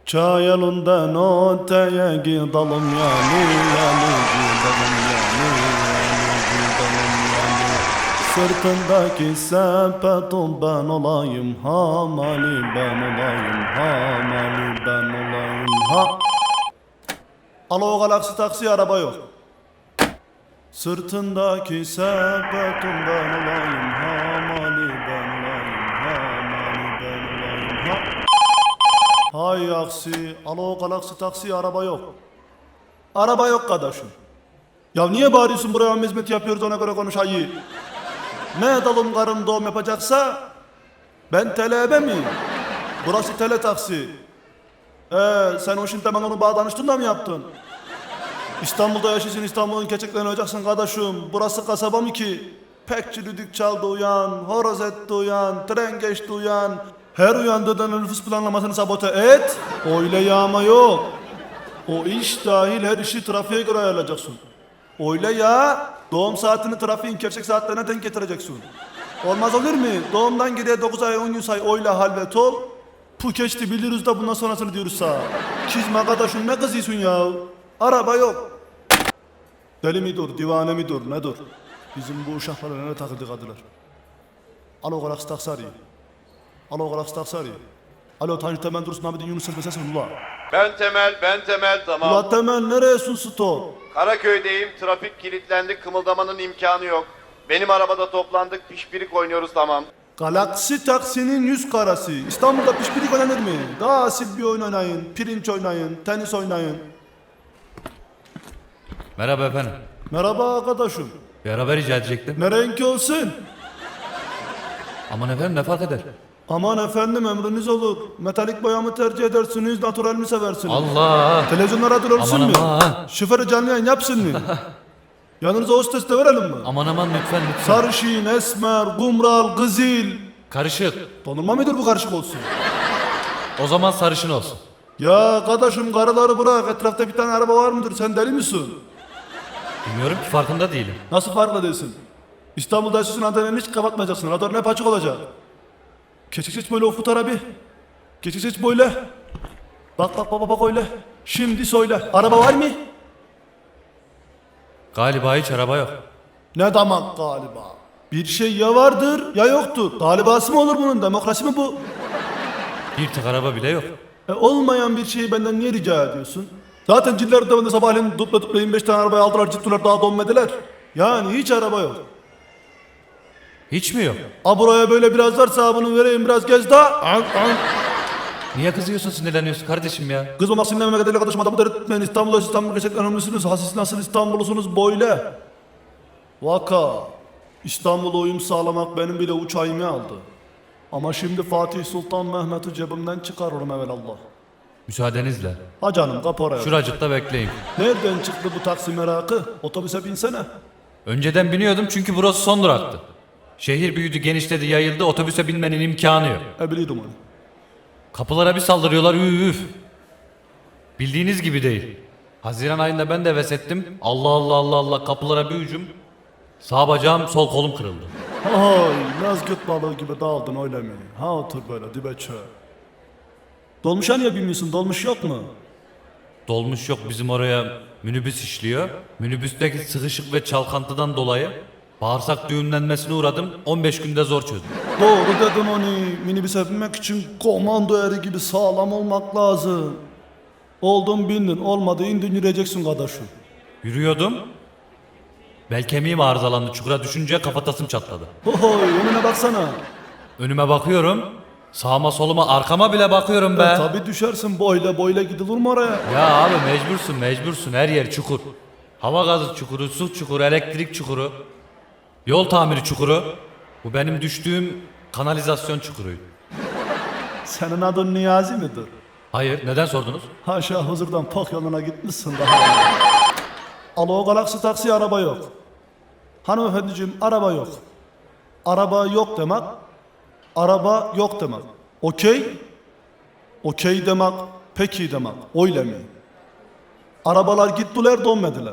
Çayalından öteye gidelim yani gidelim yani gidelim yani. Sırtındaki sepetin ben olayım, hamali ben olayım, hamali ben olayım, ha. Alo Galaxy taksi, araba yok. Sırtındaki sepetin ben olayım, hamali ben olayım, hamali ben olayım, ha. Hay aksi, alo Galaxy taksi, araba yok. Araba yok kardeşim. Ya niye bağırıyorsun, buraya hizmet yapıyoruz, ona göre konuş ayı. Ne dalım karın doğum yapacaksa ben telebe miyim? Burası tele taksi. Sen o şimdi hemen onu bağdanıştın da mı yaptın? İstanbul'da yaşıyorsun, İstanbul'un keçeklerini olacaksın kardeşim. Burası kasaba mı ki? Pekçi düdük çaldı uyan, horoz etti uyan, tren geçti uyan. Her uyandığında nüfus planlamasını sabote et. Öyle yağma yok. O iş dahil her işi trafiğe göre ayarlayacaksın. Öyle ya, doğum saatini trafiğin gerçek saatlerine denk getireceksin. Olmaz olur mu? Doğumdan geriye 9 ay 10 gün say, öyle halvet ol. Pu geçti biliriz da bundan sonrasını diyoruz sağ. Kizme kardeşim, ne kızıyorsun ya? Araba yok. Deli mi dur, divane mi dur, ne dur? Bizim bu uşaklara ne takıldı kadılar? Alo Galaxy taksi arıyor. Alo Galaxy taksi arıyor. Alo Tanju Temel Dursun Abidin Yunus Selbesesin ula. Ben Temel, tamam. Ula Temel nereyesin stop? Karaköy'deyim, trafik kilitlendi, kımıldamanın imkanı yok. Benim arabada toplandık, pişpirik oynuyoruz, tamam. Galaxy taksinin yüz karası. İstanbul'da pişpirik oynanır mı? Daha asil bir oyun oynayın, pirinç oynayın, tenis oynayın. Merhaba efendim. Merhaba arkadaşım. Bir araba rica edecektim. Ne renk olsun? Aman efendim ne fark eder? Aman efendim emriniz olur. Metalik boya mı tercih edersiniz, natural mi seversiniz? Allah! Televizyonlara durursun Aman mu? aman! Şoförü canlı yayın yapsın mı? Yanınıza hostes de verelim mi? Aman lütfen. Sarışın, esmer, kumral, kızıl. Karışık. Donurma mıdır bu, karışık olsun? O zaman sarışın olsun. Ya kardeşim, karıları bırak, etrafta bir tane araba var mıdır, sen deli misin? Bilmiyorum ki, farkında değilim. Nasıl farklı değilsin? İstanbul'da yaşıyorsun, antenini hiç kapatmayacaksın, radarın hep açık olacak. Geçecek böyle ufut abi. Geçecek böyle. Bak öyle. Şimdi söyle, araba var mı? Galiba hiç araba yok. Ne demek galiba? Bir şey ya vardır ya yoktur. Galibası mı olur bunun, demokrasi mi bu? Bir tek araba bile yok. Olmayan bir şeyi benden niye rica ediyorsun? Zaten ciller ödemende sabahleyin dupla 25 tane arabayı aldılar, ciddiler, daha donmediler. Yani hiç araba yok. Hiç mi yok? Buraya böyle biraz varsa bunu vereyim, biraz gez daha. Niye kızıyorsun, sinirleniyorsun kardeşim ya? Kızmamak sinirlenme kadar arkadaşım, adamı dert etmeyin. İstanbul gerçekten önemlisiniz. Siz nasıl İstanbullusunuz böyle? Vaka. İstanbul'a uyum sağlamak benim bile uçağımı aldı. Ama şimdi Fatih Sultan Mehmet'i cebimden çıkarırım evelallah. Müsaadenizle. Ha canım, kap oraya. Şuracıkta bekleyin. Nereden çıktı bu taksi merakı? Otobüse binsene. Önceden biniyordum çünkü burası son duraktı. Şehir büyüdü, genişledi, yayıldı. Otobüse binmenin imkanı yok. Biliyordum onu. Kapılara bir saldırıyorlar, üf. Bildiğiniz gibi değil. Haziran ayında ben de heves ettim. Allah kapılara bir hücum. Sağ bacağım, sol kolum kırıldı. Ay, Nazgıt balığı gibi dağıldın öyle mi? Ha otur böyle dibe çö. Dolmuşa niye bilmiyorsun? Dolmuş yok mu? Dolmuş yok, bizim oraya minibüs işliyor. Minibüsteki sıkışık ve çalkantıdan dolayı bağırsak düğümlenmesine uğradım. 15 günde zor çözdüm. Doğru dedin onu. Minibüse binmek için komando eri gibi sağlam olmak lazım. Oldun bindin, olmadı indin, yürüyeceksin kardeşim. Yürüyordum. Bel kemiğim arızalandı. Çukura düşünce kafatasım çatladı. Hohoy, önüne baksana. Önüme bakıyorum. Sağıma soluma arkama bile bakıyorum be. Tabi düşersin, boyla gidilir mi oraya? Ya abi mecbursun. Her yer çukur. Hava gazı çukuru, su çukuru, elektrik çukuru. Yol tamiri çukuru. Bu benim düştüğüm kanalizasyon çukuruydu. Senin adın Niyazi midir? Hayır, neden sordunuz? Haşa, huzurdan pok yoluna gitmişsin daha. Alo Galaxy taksi, araba yok. Hanımefendiciğim, araba yok. Araba yok demek, araba yok demek. Okey? Okey demek, peki demek. Öyle mi? Arabalar gittiler, dönmediler.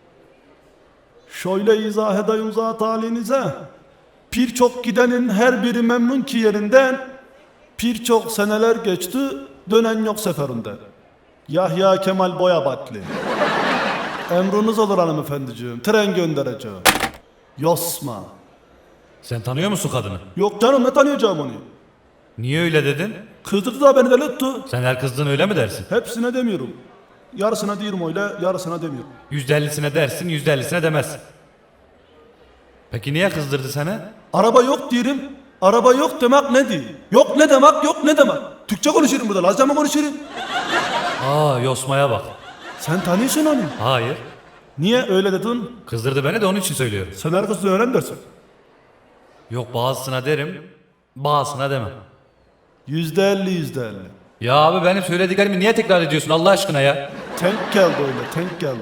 Şöyle izah edeyim zat halinize. Birçok gidenin her biri memnun ki yerinden. Birçok seneler geçti, dönen yok seferinde. Yahya Kemal Boyabatlı. Emriniz olur hanımefendiciğim. Tren göndereceğim. Yosma. Sen tanıyor musun kadını? Yok canım, ne tanıyacağım onu? Niye öyle dedin? Kızdırdı da beni deli etti. Sen her kızdığın öyle mi dersin? Hepsine demiyorum. Yarısına diyorum öyle, yarısına demiyorum. %50'sine dersin, %50'sine demezsin. Peki niye kızdırdı seni? Araba yok diyorum. Araba yok demek ne değil? Yok ne demek, yok ne demek? Türkçe konuşurum burada, Lazca mı konuşurum? Aa, Yosma'ya bak. Sen tanıyorsun onu. Hayır. Niye öyle dedin? Kızdırdı beni de onun için söylüyorum. Sen her kızını öğren dersin. Yok, bazısına derim, bazısına demem. %50. Ya abi, benim söylediklerimi niye tekrar ediyorsun Allah aşkına ya? Tank geldi öyle, tank geldi.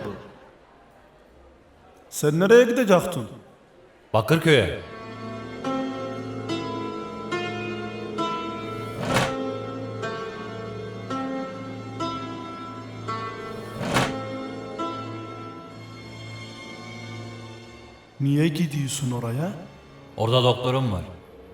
Sen nereye gidecektin? Bakırköy'e. Niye gidiyorsun oraya? Orada doktorum var.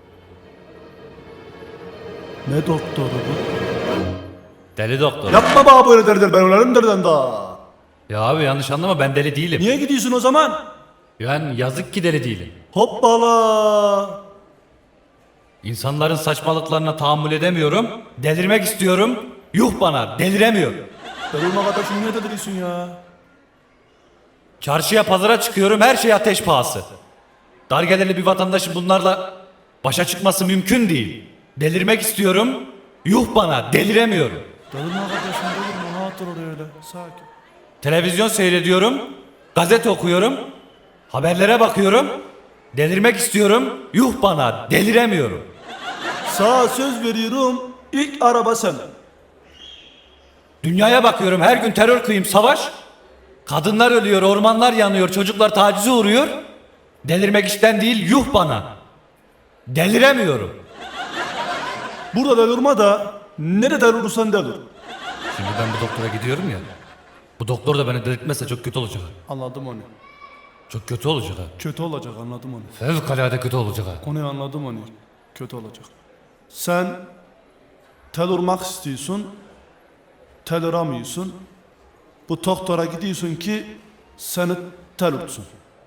Ne doktoru bu? Deli doktor. Yapma bana böyle derler, ben ölerim derden daha. Ya abi, yanlış anlama, ben deli değilim. Niye gidiyorsun o zaman? Yani yazık ki deli değilim. Hoppala. İnsanların saçmalıklarına tahammül edemiyorum. Delirmek istiyorum. Yuh bana, deliremiyorum. Darılma kardeşim, niye deliriyorsun ya? Çarşıya, pazara çıkıyorum, her şey ateş pahası. Dar gelirli bir vatandaşın bunlarla başa çıkması mümkün değil. Delirmek istiyorum. Yuh bana, deliremiyorum. Darılma kardeşim, delirme, rahat ol oraya öyle, sakin. Televizyon seyrediyorum. Gazete okuyorum. Haberlere bakıyorum. Delirmek istiyorum. Yuh bana, deliremiyorum. Sana söz veriyorum, ilk araba sen. Dünyaya bakıyorum, her gün terör kıyım, savaş. Kadınlar ölüyor, ormanlar yanıyor, çocuklar tacize uğruyor. Delirmek işten değil, yuh bana. Deliremiyorum. Burada delirme da, nerede delirursan delir. Şimdi ben bu doktora gidiyorum ya. Bu doktor da beni delirtmezse çok kötü olacak. Anladım onu. Çok kötü olacak ha. Kötü olacak, anladım onu. Fevkalade kötü olacak ha. Onu anladım onu. Kötü olacak. Sen tel urmak istiyorsun, tel uramıyorsun. Bu doktora gidiyorsun ki seni tel urtsun.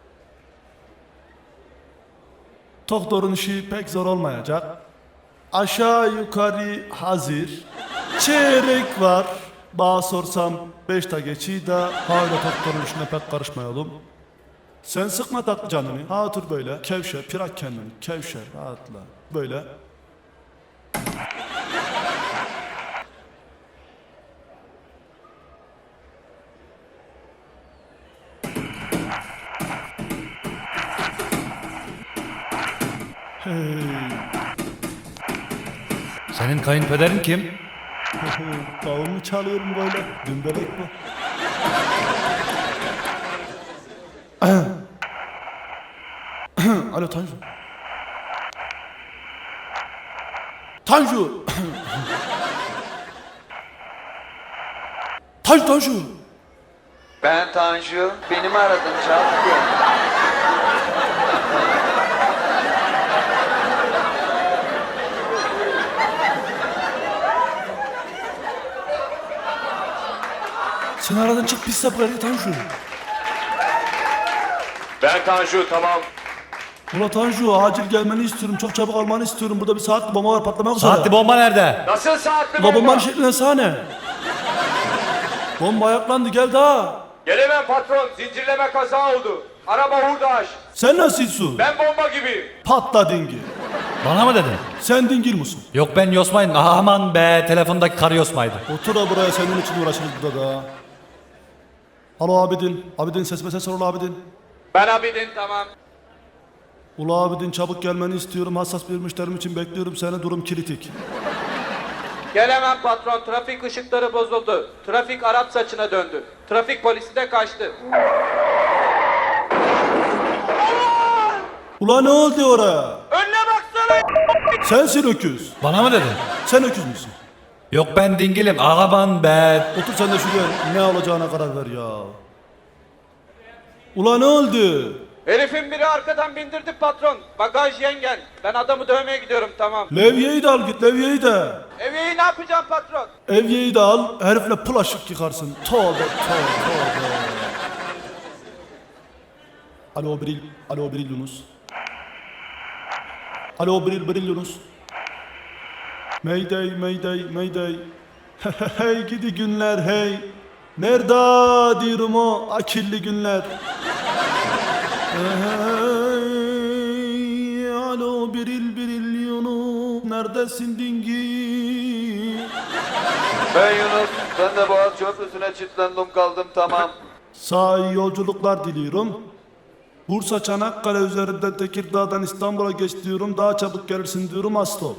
Doktorun işi pek zor olmayacak. Aşağı yukarı hazır. Çeyrek var. Bana sorsam 5'te geçiyor da hala doktorun işine pek karışmayalım. Sen sıkma tatlı canını. Ha otur böyle. Kevşer, pirak kendini. Kevşer, rahatla. Böyle. Hey. Senin kayınpederin kim? Davul çalıyorum böyle. Dümbelek bu. Alo Tanju. Tanju. Tanju. Ben Tanju. Beni mi aradın Çağatay? Sen aradın, çık pis sapları Tanju. Ben Tanju, tamam. Ula Tanju, acil gelmeni istiyorum. Çok çabuk almanı istiyorum. Burada bir saatli bomba var, patlamak üzere. Saatli bomba nerede? Nasıl saatli Ula bomba? bombanın şekline sahne. Bomba ayaklandı, gel daha. Gelemem patron, zincirleme kaza oldu. Araba hurdaş. Sen nasılsın? Ben bomba gibi. Patla dingil. Bana mı dedin? Sen dingil musun? Yok, ben Yosmay'ım. Aman be, telefondaki karı Yosmay'dı. Otur da buraya, senin için uğraşırız burada da. Alo Abidin. Abidin, sesime ses ol Abidin. Ben Abidin, tamam. Ula Abidin, çabuk gelmeni istiyorum. Hassas bir müşterim için bekliyorum seni. Durum kritik. Gelemem patron. Trafik ışıkları bozuldu. Trafik Arap saçına döndü. Trafik polisi de kaçtı. Ula ne oldu oraya? Önüne baksana. Sensin öküz. Bana mı dedin? Sen öküz müsün? Yok, ben dingilim. Aman be. Otur sen de şuraya, ne olacağına karar ver ya. Ula ne oldu? Herifin biri arkadan bindirdi patron. Bagaj yengen. Ben adamı dövmeye gidiyorum, tamam. Levyeyi de al git, levyeyi de. Evyeyi ne yapacağım patron? Evyeyi de al, herifle pılaşık yıkarsın. Tövbe. Alo Bril Yunus. Alo Bril Yunus. Mayday. Hey gidi günler hey. Nerede diyorum o akilli günler. Hey, alo Bril Yunus. Neredesin dingi? Ben Yunus, ben de Boğaz Köprüsü'ne çitlendim kaldım, tamam. Sağ iyi yolculuklar diliyorum. Bursa Çanakkale üzerinden Tekirdağ'dan İstanbul'a geç diyorum. Daha çabuk gelirsin diyorum Astop.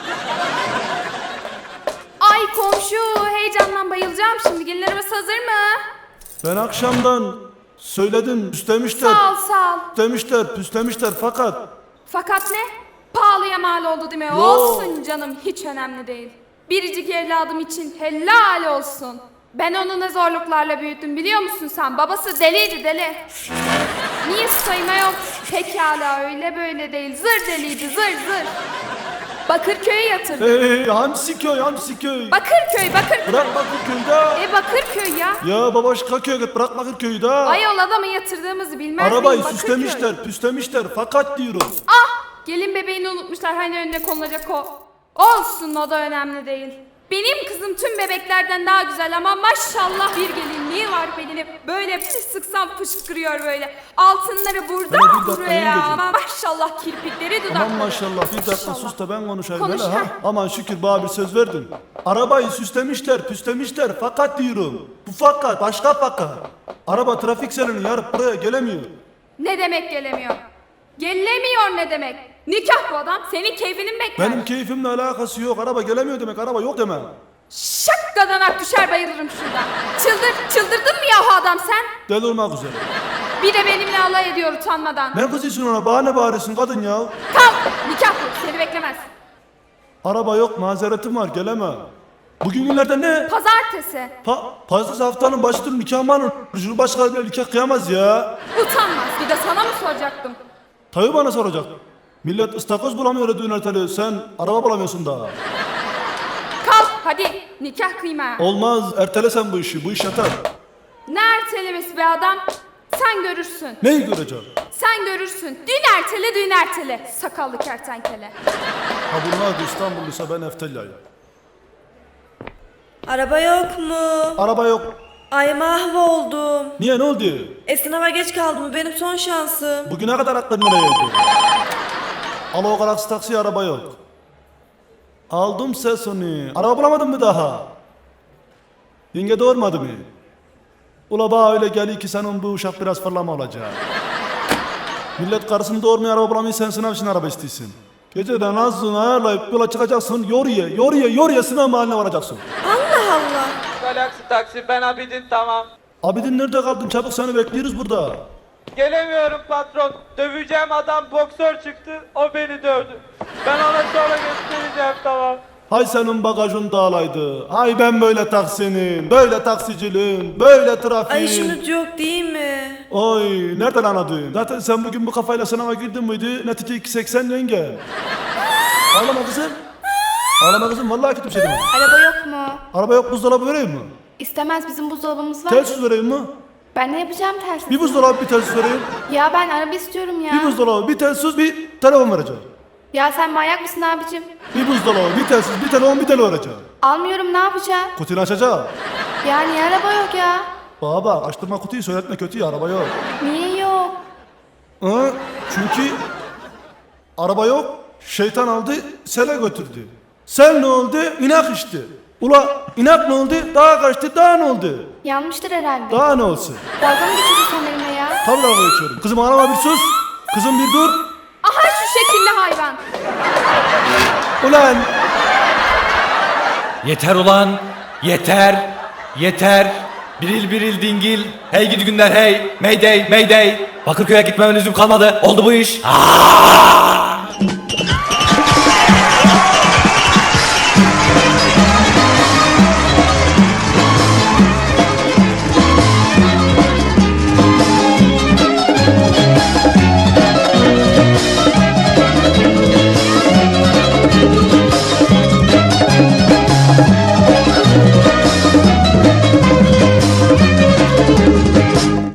Ay komşu, heyecandan bayılacağım şimdi. Gelin arabası hazır mı? Ben akşamdan söyledim, püslemişler. Sağ ol. Püslemişler fakat Fakat ne? Pahalıya mal oldu değil mi? Yo. Olsun canım, hiç önemli değil. Biricik evladım için helal olsun. Ben onu ne zorluklarla büyüttüm biliyor musun sen? Babası deliydi, deli. Niye sayma yok? Pekala, öyle böyle değil. Zır deliydi, zır. Bakırköy'e yatırdı. hey, Hamsiköy. Bakırköy. Bırak Bakırköy'de. Bakırköy ya. Ya babaşka köye git, bırak Bakırköy'de. Ayol adamı yatırdığımızı bilmez Arabayı miyim? Bakırköy. püslemişler fakat diyorum. Ah! Gelin bebeğini unutmuşlar, hani önüne konulacak o. Olsun, o da önemli değil. Benim kızım tüm bebeklerden daha güzel ama maşallah bir gelinliği var benim. Böyle bir sıksam fışkırıyor böyle. Altınları burada Hele bir dakika, buraya. yengeciğim. Maşallah kirpikleri dudakları. Aman maşallah bir dakika Maşallah. sus da ben konuşayım Konuş, hele ha. ha. Aman şükür bana bir söz verdin. Arabayı püslemişler fakat diyorum. Bu fakat, başka fakat. Araba trafik selini yarıp buraya gelemiyor. Ne demek gelemiyor? Gelemiyor ne demek? Nikah bu adam, senin keyfini mi bekler? Benim keyfimle alakası yok. Araba gelemiyor demek, araba yok deme. Şakkadan düşer bayılırım şuradan. Çıldırdın mı yahu adam sen? Deli olmak üzere. Bir de benimle alay ediyor utanmadan. Ne kızıyorsun ona? Bana ne bağırıyorsun kadın ya? Kalk, nikah bu, seni beklemez. Araba yok, mazeretim var, geleme. Bugün günlerde ne? Pazartesi. Pazartesi haftanın başıdır, nikah mı alır? Cumhurbaşkanı bile nikah kıyamaz ya. Utanmaz. Bir de sana mı soracaktım? Tabii bana soracak. Millet ıstakoz bulamıyor düğün erteli. Sen araba bulamıyorsun daha. Kalk hadi nikah kıyma. Olmaz, ertele sen bu işi. Bu iş yatar. Ne ertelemesi be adam? Sen görürsün. Neyi göreceğim? Sen görürsün. Düğün ertele. Sakallı kertenkele. Ha bunlar da İstanbulluysa ben Efteliya'yım. Araba yok mu? Araba yok. Ay mahvoldum. Niye, ne oldu? Sınava geç kaldım. Bu benim son şansım. Bugüne kadar aklın nereyeydi? Alo Galaxy taksi, araba yok. Aldım sesini. Araba bulamadın mı daha? Yenge doğurmadı mı? Ula bana öyle geliyor ki senin bu uşak biraz fırlama olacak. Millet karısını doğurmaya araba bulamıyor, sen sınav için araba istiyorsun. Geceden azlığını ayarlayıp yola çıkacaksın, yoruya sınav mahalline varacaksın. Allah Allah. Galaksi taksi, ben Abidin, tamam. Abidin nerede kaldın? Çabuk seni bekliyoruz burada. Gelemiyorum patron. Döveceğim adam boksör çıktı. O beni dövdü. Ben ona sonra göstereceğim, tamam. Hay senin bagajın dağılaydı. Hay ben böyle taksinin, böyle taksiciliğin, böyle trafiğin. Ay şimdi yok değil mi? Oy nereden anladın? Zaten sen bugün bu kafayla sınava girdin miydi? Netice 2.80 yenge. Ağlama kızım. Ağlama kızım, vallahi kötü bir şey demem. Araba yok mu? Araba yok, buzdolabı vereyim mi? İstemez, bizim buzdolabımız var. Telsiz vereyim mi? Ben ne yapacağım tersi? Bir buzdolabı, bir telsiz vereyim. Ya ben araba istiyorum ya. Bir buzdolabı, bir telsiz, bir telefon vereceğim. Ya sen manyak mısın abicim? Bir buzdolabı, bir telsiz, bir telefon, bir telefon vereceğim. Almıyorum, ne yapacağım? Kutuyu açacağım. Ya niye araba yok ya? Baba açtırma kutuyu, söyletme kötü, araba yok. Niye yok? Hı? Çünkü araba yok, şeytan aldı, sele götürdü. Sel ne oldu? İnak içti. Ula inak ne oldu? Dağa kaçtı, daha ne oldu? Yanmıştır herhalde. Daha ne olsun? Dalga mı geçiyorsun sen benimle ya? Tabii dalga geçiyorum. Kızım ağlama, bir sus. Kızım bir dur. Aha şu şekilli hayvan. Ulan Yeter ulan. Yeter. Biril dingil. Hey gidi günler hey. Mayday. Bakırköy'e gitmeme lüzum kalmadı. Oldu bu iş. Aa!